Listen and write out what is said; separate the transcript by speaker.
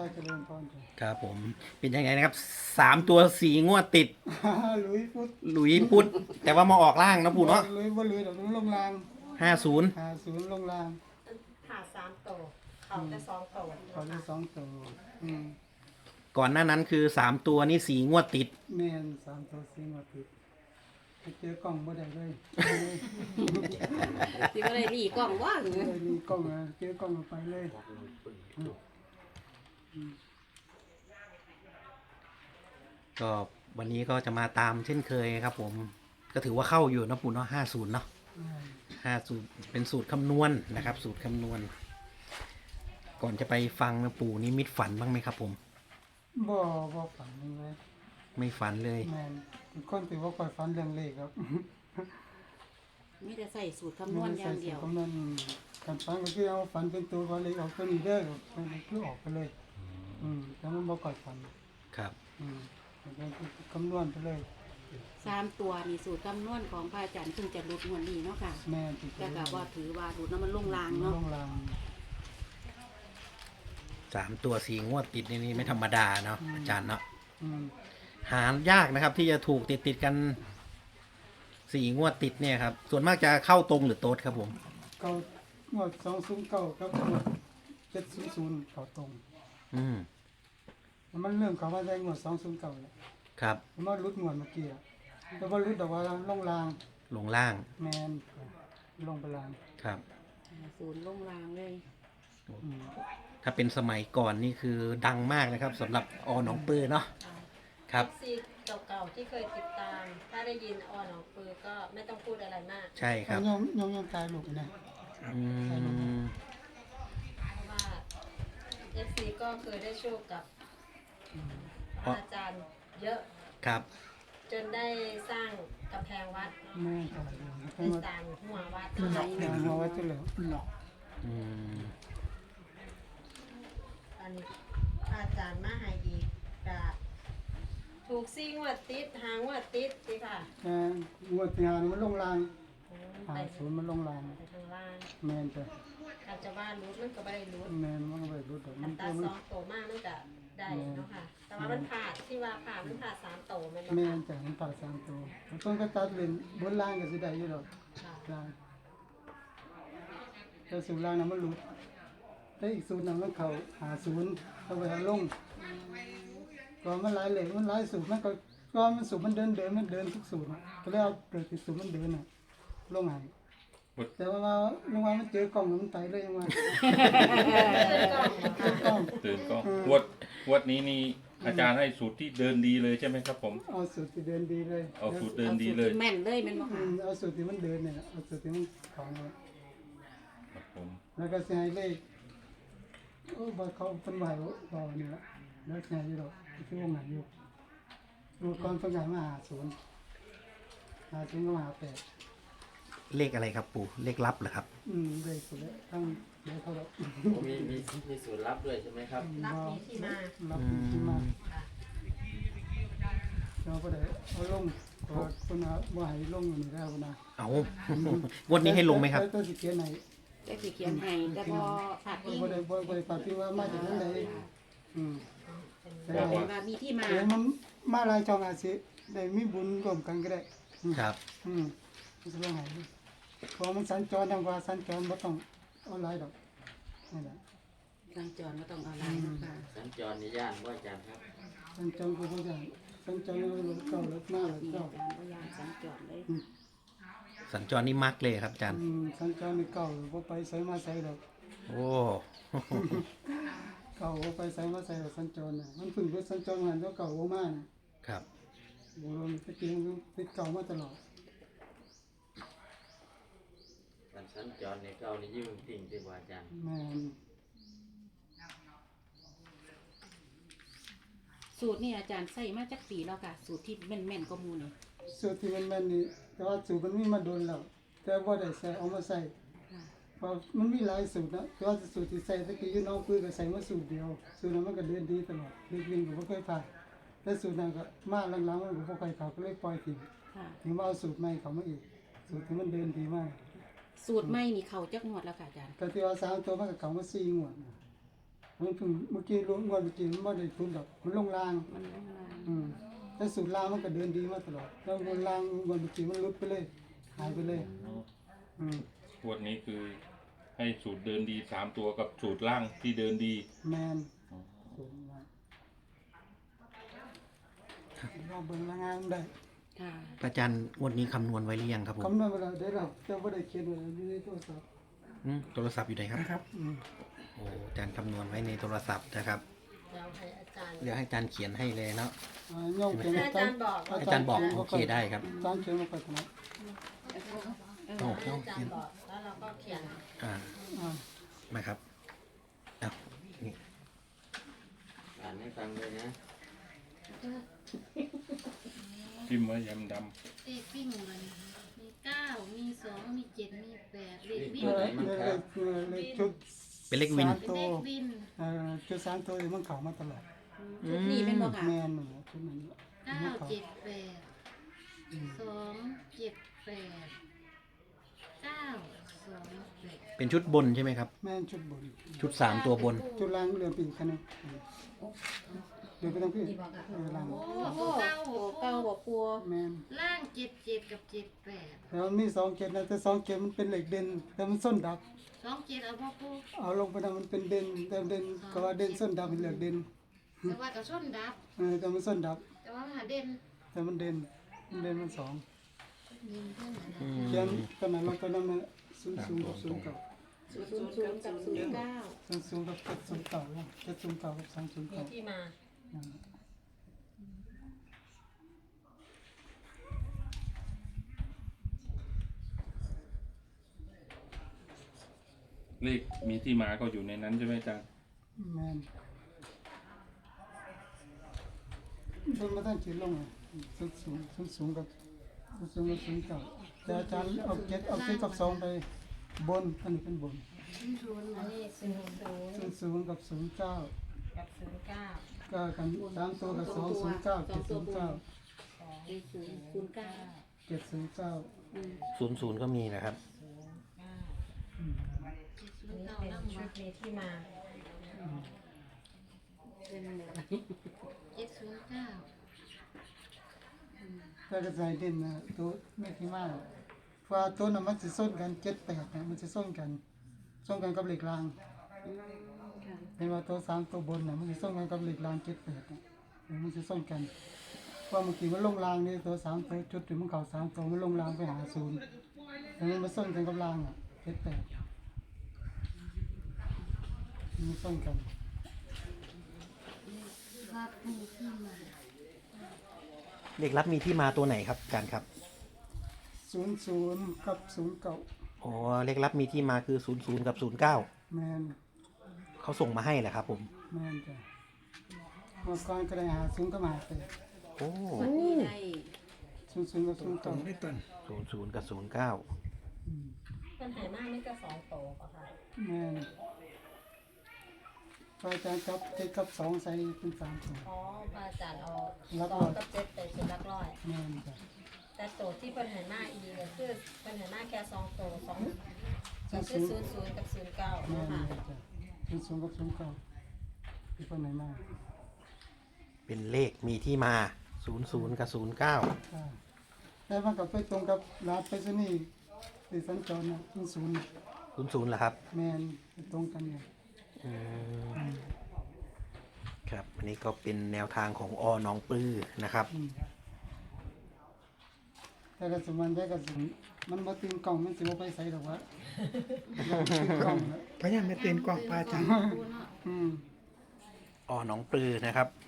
Speaker 1: เจริญพรจ้ะ
Speaker 2: ครับผมเป็นยังไงนะครับ3 ตัว4 งวดติด
Speaker 1: ลุยพุทธ
Speaker 2: หลุยพุทธแต่ว่ามาออกล่างนะปู่เนาะ
Speaker 1: ลุยบ่ลุยดอกลุยลงราง
Speaker 2: 50
Speaker 1: 50ลงราง
Speaker 3: หา3 โตเขาแต่2 โต
Speaker 1: เขาได้2ตัวอืม
Speaker 2: ก่อนหน้านั้นคือ3 ตัวนี่4 งวดติด
Speaker 1: แม่น3ตัว4มาติดไปเจอกล้องบ่ได้เลย
Speaker 4: สิบ่ได้รีกล้องว่าหรือ
Speaker 1: เลยมีกล้องอะเจอกล้องเอาไปเลย
Speaker 2: ก็วันนี้ก็จะมาตามเช่นเคยครับผมก็ถือว่าเข้าอยู่นะปู่เนาะ50เนาะ50เป็นสูตรคำนวณนะครับ สูตรคำนวณ ก่อนจะไปฟังนะปู่นี่มิตฝันบ้างไหมครับผม
Speaker 1: บ่ฝันเลย
Speaker 2: ไม่ฝันเลย
Speaker 1: แม่นเป็นคนที่บ่ค่อยฝันเรื่องเลขครับ
Speaker 4: มีแต่ใส่สูตรคำนวณอย่างเดียว
Speaker 1: คำนวณการฝันก็คือเอาฝันเป็นตัวว่าเลขออกตัวนี้เด้อมันคือออกไปเลยแต่มันบ่ค่อยฝัน
Speaker 2: ครับ
Speaker 1: คำนวณไปเลย
Speaker 4: 3 ตัวนี่สูตรคำนวณของพระอาจารย์เพิ่งจะหลุดงวดนี้เนาะค่ะ
Speaker 1: แม่ติด
Speaker 4: แต่ก็บ่ถือว่าหลุดแล้วมันลงรางเนาะ
Speaker 1: ลงราง
Speaker 2: 3 ตัว4 งวดติดนี่ไม่ธรรมดาเนาะอาจารย์เนาะ
Speaker 1: อืม
Speaker 2: หายากนะครับ ที่จะถูกติดกัน4 งวดติดเนี่ยครับส่วนมากจะเข้าตรงหรือโต๊ดครับผม
Speaker 1: เก้างวด209ครับงวด700เข้าตรง
Speaker 2: อืม
Speaker 1: มันเริ่มเข้ามาได้งวด209แล้ว
Speaker 2: ครับ
Speaker 1: มันรุดงวดเมื่อกี้อะแต่ว่ารุดดอกว่าลงราง
Speaker 2: ลงล่าง
Speaker 1: แม่นลงไปราง
Speaker 2: ครับ
Speaker 4: ศูนย์ลงรางเลย
Speaker 1: อืม
Speaker 2: ถ้าเป็นสมัยก่อนนี่คือดังมากนะครับสำหรับอหนองปือเนาะครับ
Speaker 3: ซีเก่าๆที่เคยติดตาม ถ้าได้ยินออนของปือก็ไม่ต้องพูดอะไรมาก
Speaker 2: ใช่ครับ
Speaker 1: ยอมตายลูกนะ
Speaker 2: อืม
Speaker 3: เพราะว่า FC ก็เคยได้โชคกับอาจารย์เยอะ
Speaker 2: ครับ
Speaker 3: จนได้สร้างกำแพงวัด
Speaker 1: แม่ตาย
Speaker 3: ได้สร้างหัววัด
Speaker 1: เอาไว้ที่เหลือ
Speaker 2: อืม
Speaker 3: อันนี้อาจารย์มาให้อีกกะถูกซิ่งวดติดหางวดติดสิค่ะ
Speaker 1: งวดที่หานี่มันลงราง
Speaker 3: ไป
Speaker 1: 50มันลงราง
Speaker 3: ไปทางล่าง
Speaker 1: แม่นจ้ะ
Speaker 3: อาจจะว่ารู้มันก็ไม่ได้รู้
Speaker 1: แม่นมันก็ไปรุดดอก
Speaker 3: อั
Speaker 1: มัน
Speaker 3: ตรา
Speaker 1: มัน
Speaker 3: 2 โตมากมันก็ได้เนาะค่ะ แต่ว่ามันผ่าดที่ว่าผ่าดมันผ่าด3 โตแมัน
Speaker 1: แม่
Speaker 3: เนาะ
Speaker 1: นจ้ะมันผ่า3ตัวมันต้องก็ตัดเล่นบนล่างก็สิได้อยู่ดอก
Speaker 3: ค่ะ
Speaker 1: ล่างแต่สูตรล่างน่ะมันหลุดแต่อีกสูตรนึงมันเข้า50เอาไปหาลงก็มันหลายเหลขมันหลายสูตรมันก็มันสูตรมันเดินทุกสูตรน่ะก็เลยเอาเกิดที่สูตรมันเดินน่ะลงให้แต่ว่ายังว่ามันเจอกล่องมันไตเลยยังว่าเจอกล้อง
Speaker 5: ตื่นก็งวดนี้นี่อาจารย์ให้สูตรที่เดินดีเลยใช่ไหมครับผม
Speaker 1: เอาสูตรที่เดินดีเลย
Speaker 5: เอาสูตรเดิน
Speaker 4: เอา
Speaker 5: ดี
Speaker 4: สูตร
Speaker 5: เลย
Speaker 4: ที่แม่นเลยแม่นบ่ค่ะ
Speaker 1: เอาสูตรที่มันเดินเนี่ยนะเอาสูตรที่มันของเนี่ย
Speaker 5: ครับผม
Speaker 1: แล้วก็สิให้เลขโอ้บ่เขาเป็นไหวบ่เนี่ยละแล้วสิให้อยู่ดอกที่วงไหนอยู่ดูก่อนเพิ่นให้มา50ก็มา8
Speaker 2: เลขอะไรครับปู่เลขลับเหรอครับ
Speaker 1: เลขสุดแล้วทั้งเดี๋ยวเขาดอก
Speaker 6: มีสูตรลับด้วยใช่ไหมครับ
Speaker 3: รับมีที่มา
Speaker 1: รับมีที่มา
Speaker 3: ค่ะ
Speaker 1: เราก็ได้เอาลงก็เพิ่นว่าบ่ให้ลงอยู่นี่แล้วนะ
Speaker 2: เอา งวดนี้ให้ลงไหมครับ
Speaker 1: ตัวสิเขียนให้
Speaker 4: ได้สิเขียนให้แต่พอขาดอีก
Speaker 1: บ่ได้ปฏิว่ามาจากนั้นใดแต่
Speaker 4: แต่ว่ามีที่มา
Speaker 1: เดี๋ยวมันมาหลายช่องอาจสิได้มีบุญร่วมกันก็ได้
Speaker 2: ครับ
Speaker 1: มันจะลงให้เพราะมันสัญจรอย่างว่าสัญจรบ่ต้องเอาหลายดอกนี่แหละ
Speaker 4: สัญจรบ่ต้องเอาหลายเนาะค่ะ
Speaker 6: สัญจรในย่านว่าอาจารย์ครับ
Speaker 1: สัญจรก็บ่ได้สัญจรรถเก่ารถหน้ารถ
Speaker 4: มี
Speaker 1: เก่า
Speaker 4: อาจารย์บ่ยานสัญจรเลย
Speaker 2: สัญจรนี่มักเลยครับอาจารย์
Speaker 1: สัญจรนี่เก่าบ่ไปไสมาไสดอก
Speaker 2: โอ้
Speaker 1: เก่าบ่ไปไสมาไสดอกสัญจรน่ะมันเพิ่งเป็นสัญจรหันตัวเก่าบ่มาน่ะ
Speaker 2: ครับ
Speaker 1: บ่รู้ตะกี้มันติดเก่ามาตลอด
Speaker 6: วันสัญจรในเก้านี่ยิ่งติ่งที่ว่าอาจารย์
Speaker 1: แม่น
Speaker 4: สูตรนี่อาจารย์ใส่มาจากปีแล้วค่ะ สูตรที่แม่นๆก็มูนี่
Speaker 1: สูตรที่มันแม่นนี่แต่ว่าสูตรมันมีมาโดนแล้วแต่บ่ได้ใส่เอามาใส่
Speaker 4: ค่ะ
Speaker 1: เพราะมันมีหลายสูตรนะแต่ว่าสูตรที่ใส่ตะกี้อยู่น้องปื้อก็ใส่มาสูตรเดียวสูตรนั้นมันก็เดินดีตลอดเรียนก็บ่เคยผ่านแต่สูตรนั้นก็มาหลังๆมันก็บ่ค่อยเข้าก็เลยปล่อยทิ้ง
Speaker 4: ค่ะ
Speaker 1: ถึงว่าเอาสูตรใหม่เข้ามาอีกสูตรที่มันเดินดีมาก
Speaker 4: สูตรใหม่นี่เข้าจักงวดแล้วค่ะอาจารย์
Speaker 1: ก็ที่ว่า3ตัวมันก็เข้ามา4งวดนะมันเพิ่งเมื่อกี้ลงวันเมื่อกี้มันไม่ได้ทุนดอกมันลงราง
Speaker 4: มันลงมา
Speaker 1: แต่สูตรรางมันก็เดินดีมาตลอดแล้ววันรางวันเมื่อกี้มันหลุดไปเลยหายไปเลยอืม
Speaker 5: งวดนี้คือให้สูตรเดินดี3ตัวกับสูตรล่างที่เดินดี
Speaker 1: แมนสูตรรางเราเบิ่งรางงานได้
Speaker 4: ค่ะ
Speaker 2: พระอาจารย์งวดนี้คำนวณไว้หรือยังครับผม
Speaker 1: คำนวณเวลาได้เราแต่ว่าได้เขียนไว้อยู่ในโทรศัพท์
Speaker 2: โทรศัพท์อยู่ไหนครับ
Speaker 1: นะครับ
Speaker 2: โอ้อาจารย์คำนวณไว้ในโทรศัพท์นะครับ
Speaker 3: เราให้อาจารย์
Speaker 2: เดี๋ยวให้อาจารย์เขียนให้เลยเนาะ
Speaker 1: โยมเขียน
Speaker 3: ให้อาจารย์บอก
Speaker 2: อาจารย์บอกโอเคได้ครับ
Speaker 1: อาจารย์เขียนมาก่อนนะ
Speaker 2: โอ้
Speaker 3: ให้อาจารย์บอกแล้วเราก็เขียน
Speaker 2: อ่า
Speaker 1: อ่า
Speaker 2: มาครับเอานี่
Speaker 6: อ่านให้ฟังเลยนะ
Speaker 5: พิมพ์ไว้ยำด
Speaker 7: เลขวิ่งมันมี9มี2มี7มี8เลขวิ่ง
Speaker 1: เลขชุด
Speaker 2: เป็นเลขวิน
Speaker 1: สาม
Speaker 7: เป็น
Speaker 1: ตัว
Speaker 7: เลขวิ่ง
Speaker 1: ชุด3 ตัวที่มันเข้ามาตลอด
Speaker 4: ชุดนี้เป็นบ่ค่ะ
Speaker 1: แมนนั่นแหละชุดนั้น
Speaker 7: 9 7 8 2 7 8 9 2
Speaker 2: เป็นชุดบนใช่ไหมครับ
Speaker 1: แมนชุดบน
Speaker 2: ชุด3ตัวบน
Speaker 1: ชุดล่างเรือปีกคันนึงเดี๋ยวไปทางพี่ล่าง
Speaker 7: 8โอ้
Speaker 4: โอ้
Speaker 7: โห
Speaker 4: เก้าบ่ปัว
Speaker 1: แมน
Speaker 7: ล่าง7 7กับ7 8
Speaker 1: แล้วมันมี2เกตนะแต่2เกตมันเป็นเหล็กเด่นแต่มันส้นดับ
Speaker 7: 2 7เอาพ่อปู
Speaker 1: เอาลงไปนะมันเป็นเด่นแต่เด่นก็ว่าเด่นส้นดับเป็นเหล็กเด่น
Speaker 7: แต่ว่ากับส้นดับ
Speaker 1: แต่มันส้นดับ
Speaker 7: แต่ว่าหาเด่น
Speaker 1: แต่มันเด่นมันสอง
Speaker 7: เด่นเท่านั้น
Speaker 1: เขียนตอนนั้นลงไปนั่นนะ00กับ09
Speaker 4: 00กับ09
Speaker 1: 00กับ709นะ709กับ
Speaker 3: มี
Speaker 1: 209
Speaker 3: ที่มา
Speaker 5: ำเลขมีที่มาก็อยู่ในนั้นใช่ไหมอาจารย์
Speaker 1: แมนเพิ่งมาตั้งขีดลงสูงกับ09แต่อาจารย์เอา7กับ2ไปบนอันนี้เป็นบน
Speaker 3: อันนี้00
Speaker 1: 00กับ09
Speaker 3: กับ09
Speaker 1: ก็กัน3ตัวกับ209 709
Speaker 4: 09
Speaker 1: 709
Speaker 2: 00ก็มีนะครับ
Speaker 3: อันนี้เป็นชุดมีที่มา
Speaker 7: 709
Speaker 1: แต่ก็ใส่เด่นนะตัวไม่ที่มากเพราะว่าตัวนั้นมันจะส้นกัน78นะมันจะส้นกันกับเหล็กรางเป็นว่าตัว3ตัวบนน่ะมันจะส้นกันกับเหล็กราง78นะมันจะส้นกันเพราะเมื่อกี้มันลงรางนี่ตัว3ตัวจุดที่มันเข้า3ตัวมันลงรางไปหา0แล้วมันมาส้นกันกับรางอ่ะ78มันส้นกัน
Speaker 7: รับมีที่มา
Speaker 2: เลขลับมีที่มาตัวไหนครับอาจารย์ครับ
Speaker 1: 00กับ09
Speaker 2: อ๋อ เลขลับมีที่มาคือ00กับ09
Speaker 1: แมน
Speaker 2: เขาส่งมาให้แหละครับผม
Speaker 1: แม่นจ้ะเมื่อก่อนก็ได้หา0กับ58
Speaker 2: โอ้
Speaker 4: วันนี้ได้
Speaker 1: 00กับ09
Speaker 2: 00กับ09
Speaker 3: ปัญหามากไม่ก็2โตป่ะคะ
Speaker 1: แม่นพระอาจารย์กับ7กับ2ใส่เป็น3ตัว
Speaker 3: อ๋อพระอาจารย์เอา
Speaker 1: ลัก
Speaker 3: ส
Speaker 1: ร้
Speaker 3: อ
Speaker 1: อง ย
Speaker 3: กับ7ไปเป็นหลักร้อย
Speaker 1: แม่นจ้ะ
Speaker 3: แต่โตที่ปัญหามากอีกก็คือปัญหามากแค่2โต2ก็คือ00กับ09
Speaker 1: แม่น
Speaker 3: นะคะ
Speaker 1: จ้ะ00กับ09ที่คนไหนมา
Speaker 2: เป็นเลขมีที่มา00กับ09
Speaker 1: จ้ะแต่มันก็ไปตรงกับร้านไปรษณีย์ที่สัญจรน่ะ00
Speaker 2: 00เหรอครับ
Speaker 1: แม่นไปตรงกันเนี่ย
Speaker 2: อืมครับอันนี้ก็เป็นแนวทางของหนองปลือนะครับ
Speaker 1: แต่ก็สมันได้ก็สิมันบ่ตื่นกล้องมันสิบ่ไปใส่ดอกวะอยากตื่นกล้องนะ
Speaker 8: พยายามไม่เต้นกว่างพระอาจารย์
Speaker 1: อืม
Speaker 2: หนองปลือนะครับ